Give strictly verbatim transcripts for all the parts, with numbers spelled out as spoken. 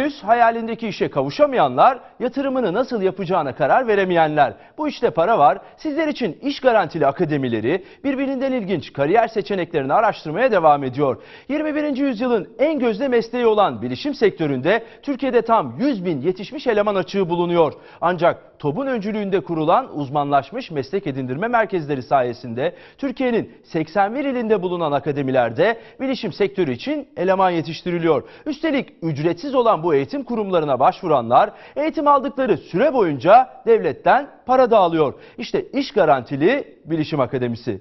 Henüz hayalindeki işe kavuşamayanlar, yatırımını nasıl yapacağına karar veremeyenler. Bu işte para var. Sizler için iş garantili akademileri birbirinden ilginç kariyer seçeneklerini araştırmaya devam ediyor. yirmi birinci yüzyılın en gözde mesleği olan bilişim sektöründe Türkiye'de tam yüz bin yetişmiş eleman açığı bulunuyor. Ancak TOB'un öncülüğünde kurulan uzmanlaşmış meslek edindirme merkezleri sayesinde Türkiye'nin seksen bir ilinde bulunan akademilerde bilişim sektörü için eleman yetiştiriliyor. Üstelik ücretsiz olan bu eğitim kurumlarına başvuranlar eğitim aldıkları süre boyunca devletten para da alıyor. İşte iş garantili bilişim akademisi.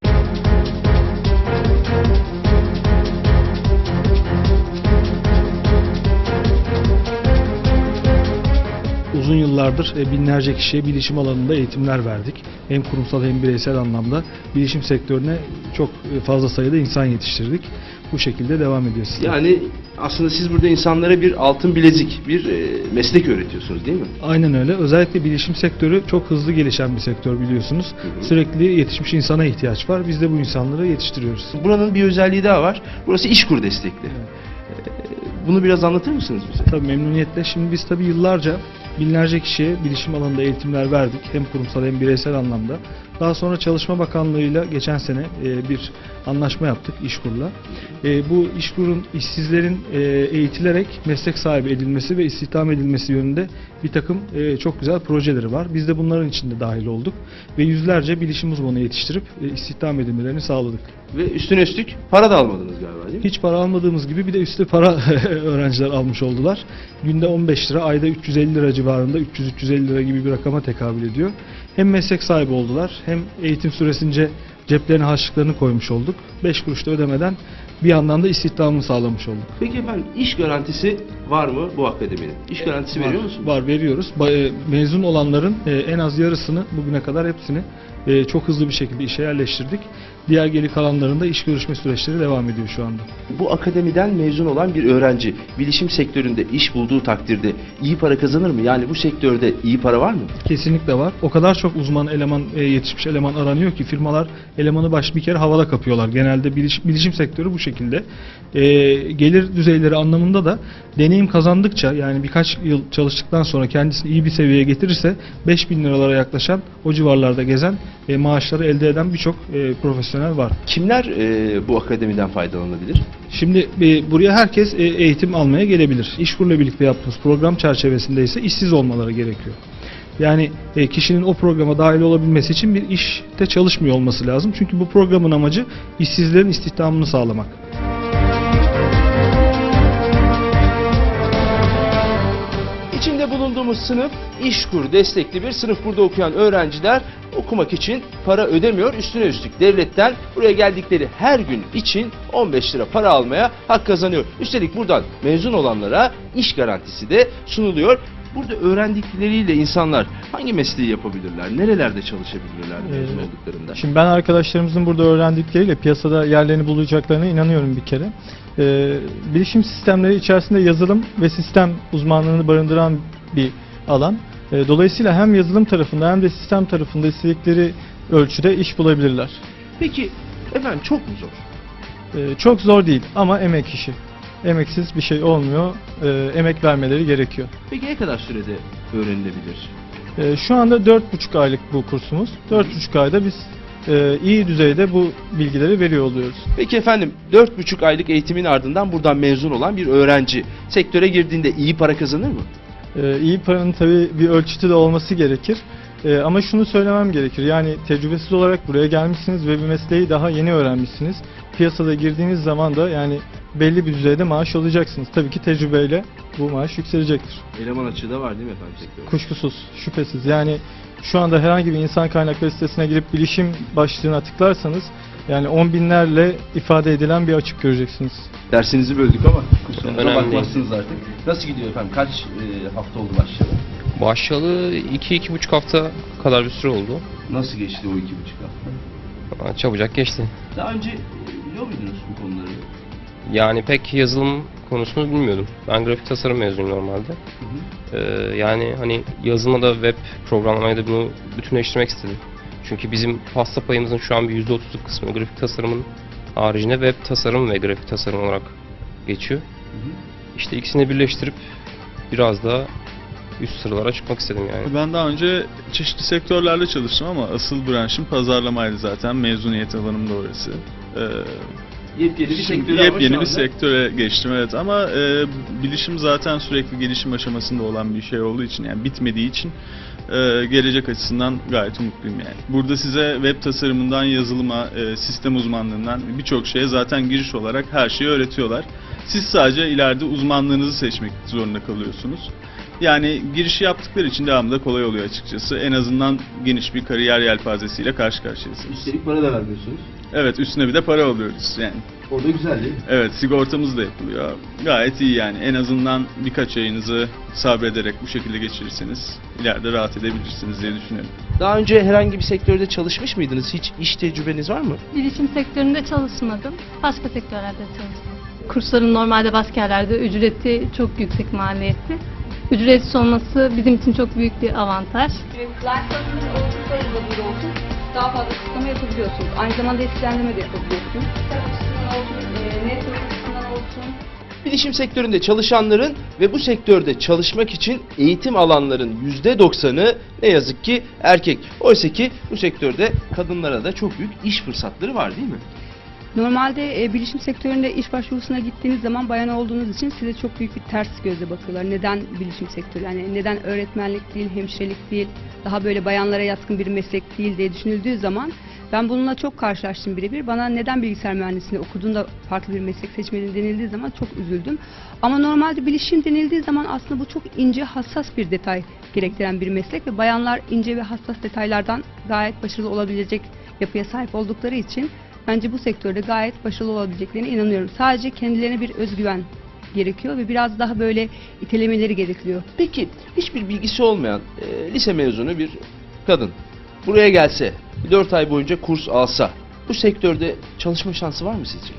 Uzun yıllardır binlerce kişiye bilişim alanında eğitimler verdik. Hem kurumsal hem bireysel anlamda bilişim sektörüne çok fazla sayıda insan yetiştirdik. Bu şekilde devam ediyor sistem. Yani aslında siz burada insanlara bir altın bilezik, bir e, meslek öğretiyorsunuz değil mi? Aynen öyle. Özellikle bilişim sektörü çok hızlı gelişen bir sektör biliyorsunuz. Hı hı. Sürekli yetişmiş insana ihtiyaç var. Biz de bu insanları yetiştiriyoruz. Buranın bir özelliği daha var. Burası İşkur destekli. Evet. E, bunu biraz anlatır mısınız bize? Tabii memnuniyetle. Şimdi biz tabii yıllarca binlerce kişiye bilişim alanında eğitimler verdik. Hem kurumsal hem bireysel anlamda. Daha sonra Çalışma Bakanlığı'yla geçen sene e, bir anlaşma yaptık İşkur'la. E, bu İşkur'un işsizlerin e, eğitilerek meslek sahibi edilmesi ve istihdam edilmesi yönünde bir takım e, çok güzel projeleri var. Biz de bunların içinde dahil olduk ve yüzlerce bilişim uzmanı yetiştirip e, istihdam edilmelerini sağladık. Ve üstüne üstlük para da almadınız galiba değil mi? Hiç para almadığımız gibi bir de üstü para öğrenciler almış oldular. Günde on beş lira, ayda üç yüz elli lira civarında, üç yüz üç yüz elli lira gibi bir rakama tekabül ediyor. Hem meslek sahibi oldular, hem eğitim süresince ceplerine harçlıklarını koymuş olduk. beş kuruş da ödemeden bir yandan da istihdamını sağlamış olduk. Peki efendim, iş garantisi var mı bu akademinin? İş garantisi Var, veriyor musunuz? Var, veriyoruz. Ba- e, Mezun olanların e, en az yarısını bugüne kadar hepsini e, çok hızlı bir şekilde işe yerleştirdik. Diğer geri kalanlarında iş görüşme süreçleri devam ediyor şu anda. Bu akademiden mezun olan bir öğrenci bilişim sektöründe iş bulduğu takdirde iyi para kazanır mı? Yani bu sektörde iyi para var mı? Kesinlikle var. O kadar çok uzman eleman, e, yetişmiş eleman aranıyor ki firmalar elemanı baş bir kere havada kapıyorlar. Genelde biliş, bilişim sektörü bu şekilde. E, gelir düzeyleri anlamında da deneyim kazandıkça, yani birkaç yıl çalıştıktan sonra kendisini iyi bir seviyeye getirirse beş bin liralara yaklaşan, o civarlarda gezen e, maaşları elde eden birçok e, profesyonel var. Kimler e, bu akademiden faydalanabilir? Şimdi e, buraya herkes e, eğitim almaya gelebilir. İşkur'la birlikte yaptığımız program çerçevesinde ise işsiz olmaları gerekiyor. Yani e, kişinin o programa dahil olabilmesi için bir işte çalışmıyor olması lazım. Çünkü bu programın amacı işsizlerin istihdamını sağlamak. İçinde bulunduğumuz sınıf İşkur destekli bir sınıf. Burada okuyan öğrenciler okumak için para ödemiyor. Üstüne üstlük devletten buraya geldikleri her gün için on beş lira para almaya hak kazanıyor. Üstelik buradan mezun olanlara iş garantisi de sunuluyor. Burada öğrendikleriyle insanlar hangi mesleği yapabilirler? Nerelerde çalışabilirler mezun Ee, olduklarında? Şimdi ben arkadaşlarımızın burada öğrendikleriyle piyasada yerlerini bulacaklarına inanıyorum bir kere. Ee, bilişim sistemleri içerisinde yazılım ve sistem uzmanlığını barındıran bir alan. Ee, dolayısıyla hem yazılım tarafında hem de sistem tarafında istedikleri ölçüde iş bulabilirler. Peki efendim, çok mu zor? Ee, çok zor değil ama emek işi. Emeksiz bir şey olmuyor. Ee, emek vermeleri gerekiyor. Peki ne kadar sürede öğrenilebilir? Ee, şu anda dört buçuk aylık bu kursumuz. dört buçuk ayda biz e, iyi düzeyde bu bilgileri veriyor oluyoruz. Peki efendim, dört buçuk aylık eğitimin ardından buradan mezun olan bir öğrenci sektöre girdiğinde iyi para kazanır mı? Ee, iyi paranın tabii bir ölçütü de olması gerekir. Ee, ama şunu söylemem gerekir. Yani tecrübesiz olarak buraya gelmişsiniz ve bir mesleği daha yeni öğrenmişsiniz. Piyasada girdiğiniz zaman da yani belli bir düzeyde maaş alacaksınız. Tabii ki tecrübeyle bu maaş yükselecektir. Eleman açığı da var değil mi efendim sektörde? Kuşkusuz, şüphesiz. Yani şu anda herhangi bir insan kaynakları sitesine girip bilişim başlığına tıklarsanız yani on binlerle ifade edilen bir açık göreceksiniz. Dersinizi böldük ama kusurumuza Önemli bakmazsınız artık. Nasıl gidiyor efendim? Kaç e, hafta oldu başlayalı? Başlayalı iki iki buçuk hafta kadar bir süre oldu. Nasıl geçti o iki buçuk hafta? Ama çabucak geçti. Daha önce biliyor muydunuz bu konuları? Yani pek yazılım konusunu bilmiyordum. Ben grafik tasarım mezunuyum normalde. Hı hı. Ee, yani hani yazılıma da web programlamaya da bunu bütünleştirmek istedim. Çünkü bizim pasta payımızın şu an bir yüzde otuzluk kısmı grafik tasarımın haricinde web tasarım ve grafik tasarım olarak geçiyor. Hı hı. İşte ikisini birleştirip biraz daha üst sıralara çıkmak istedim yani. Ben daha önce çeşitli sektörlerde çalıştım ama asıl branşım pazarlamaydı zaten. Mezuniyet alanım da orası. Ee, Yepyeni bir Şimdi sektöre ama şu yepyeni bir anda- sektöre geçtim, evet, ama e, bilişim zaten sürekli gelişim aşamasında olan bir şey olduğu için, yani bitmediği için e, gelecek açısından gayet umutluyum yani. Burada size web tasarımından yazılıma, e, sistem uzmanlığından birçok şeye zaten giriş olarak her şeyi öğretiyorlar. Siz sadece ileride uzmanlığınızı seçmek zorunda kalıyorsunuz. Yani girişi yaptıkları için devamlı da kolay oluyor açıkçası. En azından geniş bir kariyer yelpazesiyle karşı karşıyasınız. Üstelik para da vermiyorsunuz. Evet, üstüne bir de para alıyoruz yani. Orada güzel değil mi? Evet, sigortamız da yapılıyor. Gayet iyi yani. En azından birkaç ayınızı sabrederek bu şekilde geçirirseniz ileride rahat edebilirsiniz diye düşünüyorum. Daha önce herhangi bir sektörde çalışmış mıydınız? Hiç iş tecrübeniz var mı? Bilişim sektöründe çalışmadım. Başka sektörlerde çalıştım. Kursların normalde başka yerlerde ücreti çok yüksek maliyetli. Ücretsiz olması bizim için çok büyük bir avantaj. Life'ın olsun, sayılı olsun daha fazla kısıtlama yapabiliyorsunuz. Aynı zamanda etkilendirme de yapabiliyorsunuz. Kitap açısından olsun, e, network açısından olsun. Bilişim sektöründe çalışanların ve bu sektörde çalışmak için eğitim alanların yüzde doksanı ne yazık ki erkek. Oysa ki bu sektörde kadınlara da çok büyük iş fırsatları var değil mi? Normalde e, bilişim sektöründe iş başvurusuna gittiğiniz zaman bayan olduğunuz için size çok büyük bir ters gözle bakıyorlar. Neden bilişim sektörü? Yani neden öğretmenlik değil, hemşirelik değil, daha böyle bayanlara yatkın bir meslek değil diye düşünüldüğü zaman ben bununla çok karşılaştım birebir. Bana neden bilgisayar mühendisliğini okuduğunda farklı bir meslek seçmedin denildiği zaman çok üzüldüm. Ama normalde bilişim denildiği zaman aslında bu çok ince, hassas bir detay gerektiren bir meslek ve bayanlar ince ve hassas detaylardan gayet başarılı olabilecek yapıya sahip oldukları için bence bu sektörde gayet başarılı olabileceklerine inanıyorum. Sadece kendilerine bir özgüven gerekiyor ve biraz daha böyle itelemeleri gerekiyor. Peki hiçbir bilgisi olmayan e, lise mezunu bir kadın buraya gelse, dört ay boyunca kurs alsa bu sektörde çalışma şansı var mı sizce?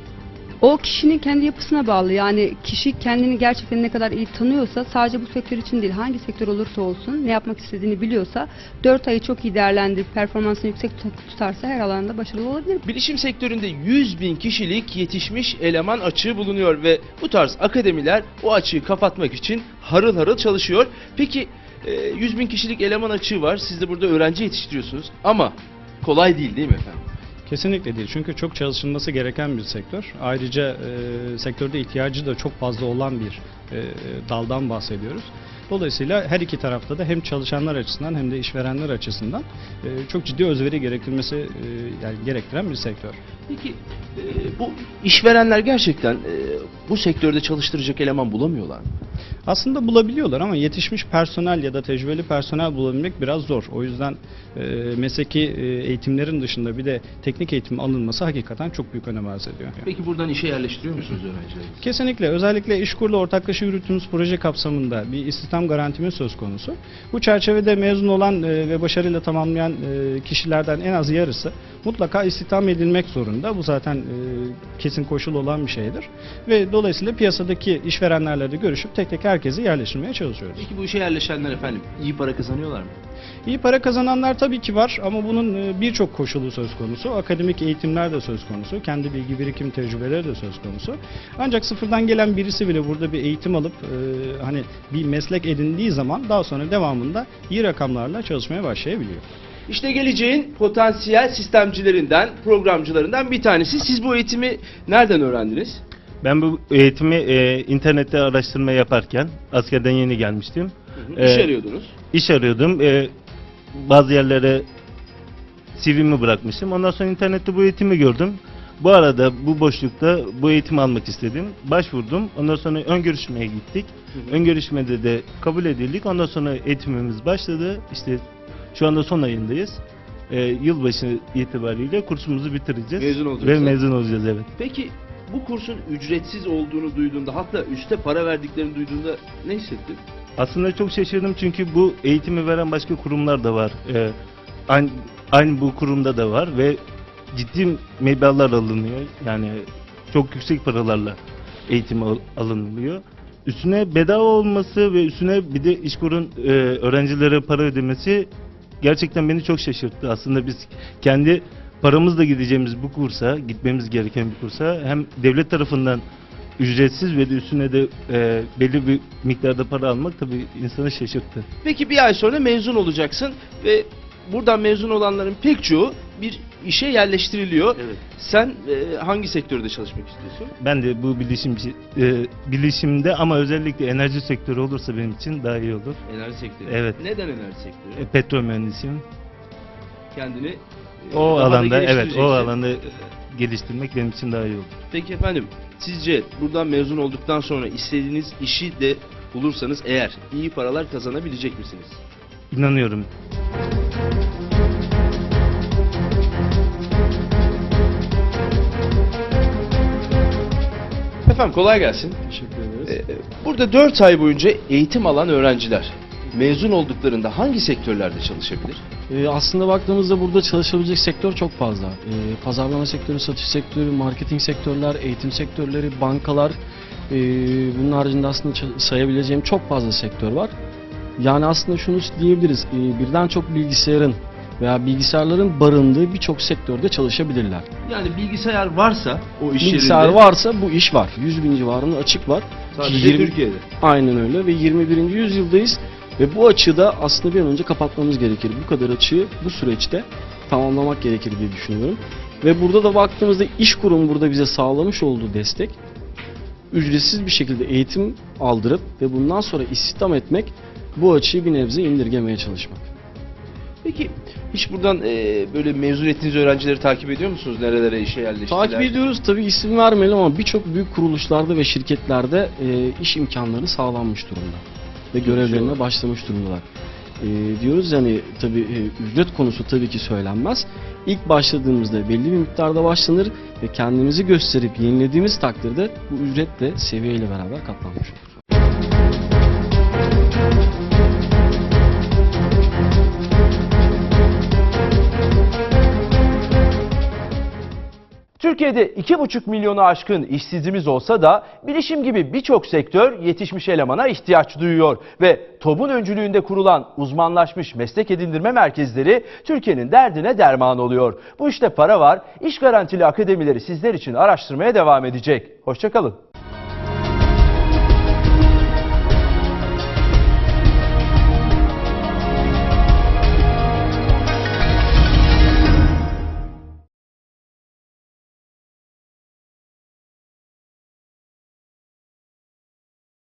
O kişinin kendi yapısına bağlı. Yani kişi kendini gerçekten ne kadar iyi tanıyorsa sadece bu sektör için değil, hangi sektör olursa olsun ne yapmak istediğini biliyorsa dört ayı çok iyi değerlendirip performansını yüksek tut- tutarsa her alanda başarılı olabilir. Bilişim sektöründe yüz bin kişilik yetişmiş eleman açığı bulunuyor ve bu tarz akademiler o açığı kapatmak için harıl harıl çalışıyor. Peki e, yüz bin kişilik eleman açığı var. Siz de burada öğrenci yetiştiriyorsunuz ama kolay değil değil mi efendim? Kesinlikle değil. Çünkü çok çalışılması gereken bir sektör. Ayrıca e, sektörde ihtiyacı da çok fazla olan bir e, daldan bahsediyoruz. Dolayısıyla her iki tarafta da hem çalışanlar açısından hem de işverenler açısından e, çok ciddi özveri gerektirmesi e, yani gerektiren bir sektör. Peki e, bu işverenler gerçekten e, bu sektörde çalıştıracak eleman bulamıyorlar mı? Aslında bulabiliyorlar ama yetişmiş personel ya da tecrübeli personel bulabilmek biraz zor. O yüzden e, mesleki e, eğitimlerin dışında bir de teknik eğitim alınması hakikaten çok büyük önem arz ediyor. Peki buradan işe yerleştiriyor musunuz öğrencileri? Kesinlikle. Özellikle İşkur'la ortaklaşa yürüttüğümüz proje kapsamında bir istihdam garantimiz söz konusu. Bu çerçevede mezun olan e, ve başarıyla tamamlayan e, kişilerden en az yarısı mutlaka istihdam edilmek zorunda. Bu zaten e, kesin koşul olan bir şeydir. Ve dolayısıyla piyasadaki işverenlerle de görüşüp tek tek herkesi yerleştirmeye çalışıyoruz. Peki bu işe yerleşenler efendim iyi para kazanıyorlar mı? İyi para kazananlar tabii ki var ama bunun e, birçok koşulu söz konusu. Akademik eğitimler de söz konusu. Kendi bilgi birikim tecrübeleri de söz konusu. Ancak sıfırdan gelen birisi bile burada bir eğitim alıp e, hani bir meslek edindiği zaman daha sonra devamında iyi rakamlarla çalışmaya başlayabiliyor. İşte geleceğin potansiyel sistemcilerinden, programcılarından bir tanesi. Siz bu eğitimi nereden öğrendiniz? Ben bu eğitimi e, internette araştırma yaparken askerden yeni gelmiştim. Hı hı. İş E, arıyordunuz. İş arıyordum. E, bazı yerlere C V'mi bırakmıştım. Ondan sonra internette bu eğitimi gördüm. Bu arada bu boşlukta bu eğitimi almak istedim. Başvurdum. Ondan sonra ön görüşmeye gittik. Hı hı. Ön görüşmede de kabul edildik. Ondan sonra eğitimimiz başladı. İşte şu anda son ayındayız. E, yılbaşı itibariyle kursumuzu bitireceğiz. Mezun olacaksınız. Ve mezun olacağız, evet. Peki bu kursun ücretsiz olduğunu duyduğunda, hatta üste para verdiklerini duyduğunda ne hissettin? Aslında çok şaşırdım çünkü bu eğitimi veren başka kurumlar da var. Ee, aynı, aynı bu kurumda da var ve ciddi meblağlar alınıyor. Yani çok yüksek paralarla eğitim al- alınılıyor. Üstüne bedava olması ve üstüne bir de İşkur'un e, öğrencilere para ödemesi gerçekten beni çok şaşırttı. Aslında biz kendi paramızla gideceğimiz bu kursa, gitmemiz gereken bir kursa hem devlet tarafından ücretsiz ve de üstüne de e, belli bir miktarda para almak tabii insanı şaşırttı. Peki bir ay sonra mezun olacaksın ve buradan mezun olanların pek çoğu bir işe yerleştiriliyor. Evet. Sen e, hangi sektörde çalışmak istiyorsun? Ben de bu bilişimci, e, bilişimde ama özellikle enerji sektörü olursa benim için daha iyi olur. Enerji sektörü. Evet. Neden enerji sektörü? E, petrol mühendisiyim. Kendini e, O daha da alanda evet o geliştireceksin. alanda e, geliştirmek benim için daha iyi olur. Peki efendim, sizce buradan mezun olduktan sonra istediğiniz işi de bulursanız eğer iyi paralar kazanabilecek misiniz? İnanıyorum. Efendim kolay gelsin. Teşekkür ederiz. Ee, Burada dört ay boyunca eğitim alan öğrenciler mezun olduklarında hangi sektörlerde çalışabilir? Ee, aslında baktığımızda burada çalışabilecek sektör çok fazla. Ee, pazarlama sektörü, satış sektörü, marketing sektörler, eğitim sektörleri, bankalar. Ee, bunun haricinde aslında ça- sayabileceğim çok fazla sektör var. Yani aslında şunu diyebiliriz. Ee, birden çok bilgisayarın veya bilgisayarların barındığı birçok sektörde çalışabilirler. Yani bilgisayar varsa o iş Bilgisayar yerinde varsa bu iş var. yüz bin civarında açık var. sadece yirmi Türkiye'de. Aynen öyle ve yirmi birinci yüzyıldayız ve bu açığı da aslında bir an önce kapatmamız gerekir. Bu kadar açığı bu süreçte tamamlamak gerekir diye düşünüyorum. Ve burada da baktığımızda iş kurumu burada bize sağlamış olduğu destek ücretsiz bir şekilde eğitim aldırıp ve bundan sonra istihdam etmek, bu açığı bir nebze indirgemeye çalışmak. Peki hiç buradan e, böyle mezun ettiğiniz öğrencileri takip ediyor musunuz? Nerelere işe yerleştiler? Takip ediyoruz, tabii isim vermeyelim ama birçok büyük kuruluşlarda ve şirketlerde e, iş imkanları sağlanmış durumda ve görevlerine başlamış durumdalar. E, diyoruz yani tabii e, ücret konusu tabii ki söylenmez. İlk başladığımızda belli bir miktarda başlanır ve kendimizi gösterip yenilediğimiz takdirde bu ücret de seviyeyle beraber katlanmış olur. Türkiye'de iki buçuk milyonu aşkın işsizimiz olsa da bilişim gibi birçok sektör yetişmiş elemana ihtiyaç duyuyor ve TOB'un öncülüğünde kurulan uzmanlaşmış meslek edindirme merkezleri Türkiye'nin derdine derman oluyor. Bu işte para var, iş garantili akademileri sizler için araştırmaya devam edecek. Hoşça kalın.